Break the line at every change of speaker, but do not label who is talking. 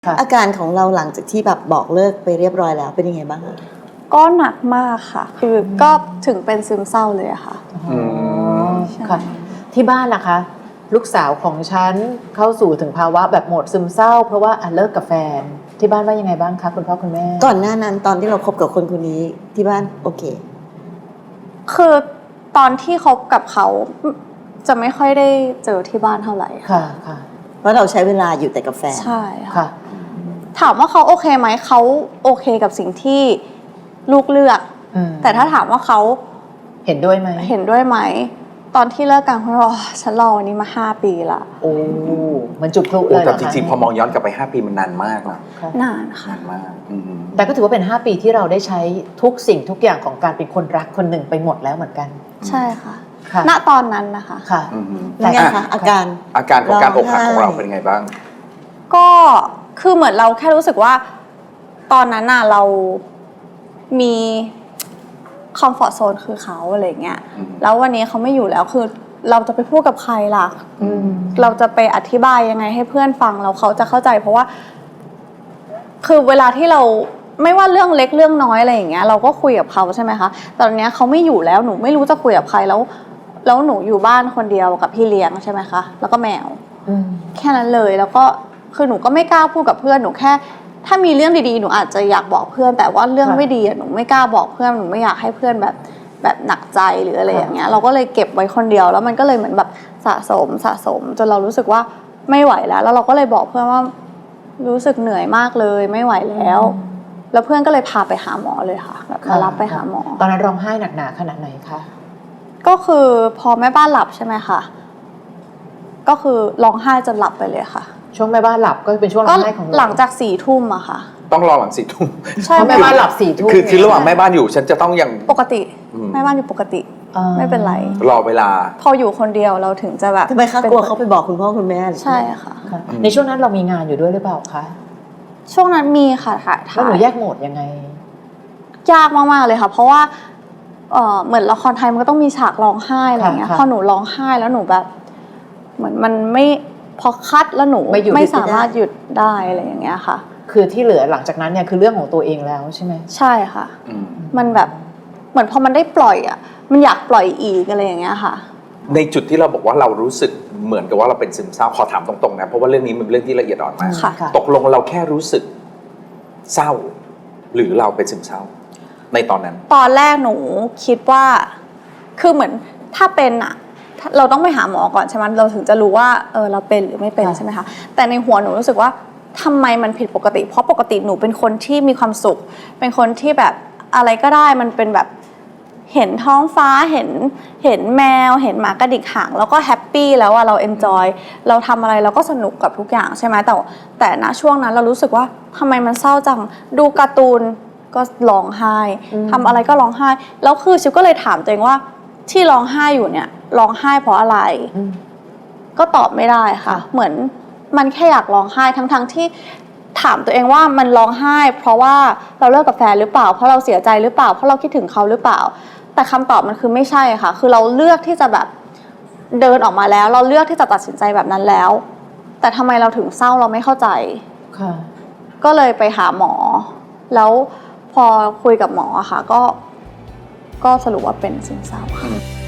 อาการของเราหลังจากที่แบบบอกเลิกไปเรียบร้อยแล้วเป็นยังไงบ้างคะ
ก็หนักมากค่ะคือก็ถึงเป็นซึมเศร้าเลยอะค่ะ
ค่ะที่บ้านล่ะคะลูกสาวของฉันเข้าสู่ถึงภาวะแบบโหมดซึมเศร้าเพราะว่าเลิกกับแฟนที่บ้านว่ายังไงบ้างคะคุณพ่อคุณแม่
ก่อนหน้านั้นตอนที่เราคบกับคนคนนี้ที่บ้านโอเค
คือตอนที่คบกับเขาจะไม่ค่อยได้เจอที่บ้านเท่าไหร่
ค่ะค่ะ
เพราะเราใช้เวลาอยู่แต่กับแฟน
ใช่
ค่ะ
ถามว่าเขาโอเคไหมเขาโอเคกับสิ่งที่ลูกเลือกแต่ถ้าถามว่าเขา
เห็นด้วยไหม
เห็นด้วยไหมตอนที่เลิกกันเขาบอกฉันรอวันนี้มา5 ปีละ
โอ้มันจุกพลุเลย
แต่จริงๆพอมองย้อนกลับไป5 ปีมันนานมากนะ
นานค่ะ
นานมาก
แต่ก็ถือว่าเป็น5 ปีที่เราได้ใช้ทุกสิ่งทุกอย่างของการเป็นคนรักคนหนึ่งไปหมดแล้วเหมือนกัน
ใช่ค่ะณตอนนั้นนะคะ
ค่ะ
แต่ไงคะอาการ
ของการอกหักของเราเป็นไงบ้าง
ก็คือเหมือนเราแค่รู้สึกว่าตอนนั้นน่ะเรามีคอมฟอร์ตโซนคือเขาอะไรเงี้ยแล้ววันนี้เขาไม่อยู่แล้วคือเราจะไปพูดกับใครล่ะเราจะไปอธิบายยังไงให้เพื่อนฟังแล้วเขาจะเข้าใจเพราะว่าคือเวลาที่เราไม่ว่าเรื่องเล็กเรื่องน้อยอะไรอย่างเงี้ยเราก็คุยกับเขาใช่ไหมคะตอนนี้เขาไม่อยู่แล้วหนูไม่รู้จะคุยกับใครแล้วหนูอยู่บ้านคนเดียวกับพี่เลี้ยงใช่ไหมคะแล้วก็แมวแค่นั้นเลยแล้วก็คือหนูก็ไม่กล้าพูดกับเพื่อนหนูแค่ถ้ามีเรื่องดีๆหนูอาจจะอยากบอกเพื่อนแต่ว่าเรื่องไม่ดีหนูไม่กล้าบอกเพื่อนหนูไม่อยากให้เพื่อนแบบหนักใจหรืออะไรอย่างเงี้ยเราก็เลยเก็บไว้คนเดียวแล้วมันก็เลยเหมือนแบบสะสมจนเรารู้สึกว่าไม่ไหวแล้วเราก็เลยบอกเพื่อนว่ารู้สึกเหนื่อยมากเลยไม่ไหวแล้วเพื่อนก็เลยพาไปหาหมอเลยค่ะแบบมารับไปหาหมอ
ตอนนั้นร้องไห้หนักหนาขนาดไหนคะ
ก็คือพอแม่บ้านหลับใช่ไหมคะก็คือร้องไห้จนหลับไปเลยค่ะ
ช่วงแม่บ้านหลับก็เป็นช่วงร้องไห้ของ
หลังจาก4 ทุ่มอะค่ะ
ต้องรอหลัง4 ทุ่ม
ใช่แม่บ้านหลับ4 ทุ่ม
คือระหว่างแม่บ้านอยู่ฉันจะต้องยัง
ปกติแม่บ้านอยู่ปกติไม่เป็นไร
รอเวลา
พออยู่คนเดียวเราถึงจะแบบ
ทำไมคะกลัวเขาไปบอกคุณพ่อคุณแม่
ใช่ค่ะ
ในช่วงนั้นเรามีงานอยู่ด้วยหรือเปล่าคะ
ช่วงนั้นมีค่ะ
แล้วหนูแยกโหมดยังไง
ยากมากๆเลยค่ะเพราะว่าเหมือนละครไทยมันก็ต้องมีฉากร้องไห้อะไรอย่างเงี้ยพอหนูร้องไห้แล้วหนูแบบเหมือนมันไม่พอคัดแล้วหนูไม่สามารถหยุดได้อะไรอย่างเงี้ยค่ะ
คือที่เหลือหลังจากนั้นเนี่ยคือเรื่องของตัวเองแล้วใช่ไหม
ใช่ค่ะมันแบบเหมือนพอมันได้ปล่อยอ่ะมันอยากปล่อยอีกอะไรอย่างเงี้ยค่ะ
ในจุดที่เราบอกว่าเรารู้สึกเหมือนกับว่าเราเป็นซึมเศร้าขอถามตรงๆนะเพราะว่าเรื่องนี้มันเป็นเรื่องที่ละเอียดอ่อนมากตกลงเราแค่รู้สึกเศร้าหรือเราเป็นซึมเศร้าในตอนนั้น
ตอนแรกหนูคิดว่าคือเหมือนถ้าเป็นอ่ะเราต้องไปหาหมอก่อนใช่ไหมเราถึงจะรู้ว่าเราเป็นหรือไม่เป็นใช่ไหมคะแต่ในหัวหนูรู้สึกว่าทำไมมันผิดปกติเพราะปกติหนูเป็นคนที่มีความสุขเป็นคนที่แบบอะไรก็ได้มันเป็นแบบเห็นท้องฟ้าเห็นแมวเห็นหมากระดิกหางแล้วก็แฮปปี้แล้วเราเอนจอยเราทำอะไรเราก็สนุกกับทุกอย่างใช่ไหมแต่ณช่วงนั้นเรารู้สึกว่าทำไมมันเศร้าจังดูการ์ตูนก็ร้องไห้ทำอะไรก็ร้องไห้แล้วคือชิวก็เลยถามตัวเองว่าที่ร้องไห้อยู่เนี่ยร้องไห้เพราะอะไรก็ตอบไม่ได้ค่ะเหมือนมันแค่อยากร้องไห้ทั้งที่ถามตัวเองว่ามันร้องไห้เพราะว่าเราเลิกกับแฟนหรือเปล่าเพราะเราเสียใจหรือเปล่าเพราะเราคิดถึงเขาหรือเปล่าแต่คำตอบมันคือไม่ใช่ค่ะคือเราเลือกที่จะแบบเดินออกมาแล้วเราเลือกที่จะตัดสินใจแบบนั้นแล้วแต่ทำไมเราถึงเศร้าเราไม่เข้าใจก็เลยไปหาหมอแล้วพอคุยกับหมอค่ะก็สรุปว่าเป็นซึมเศร้าค่ะ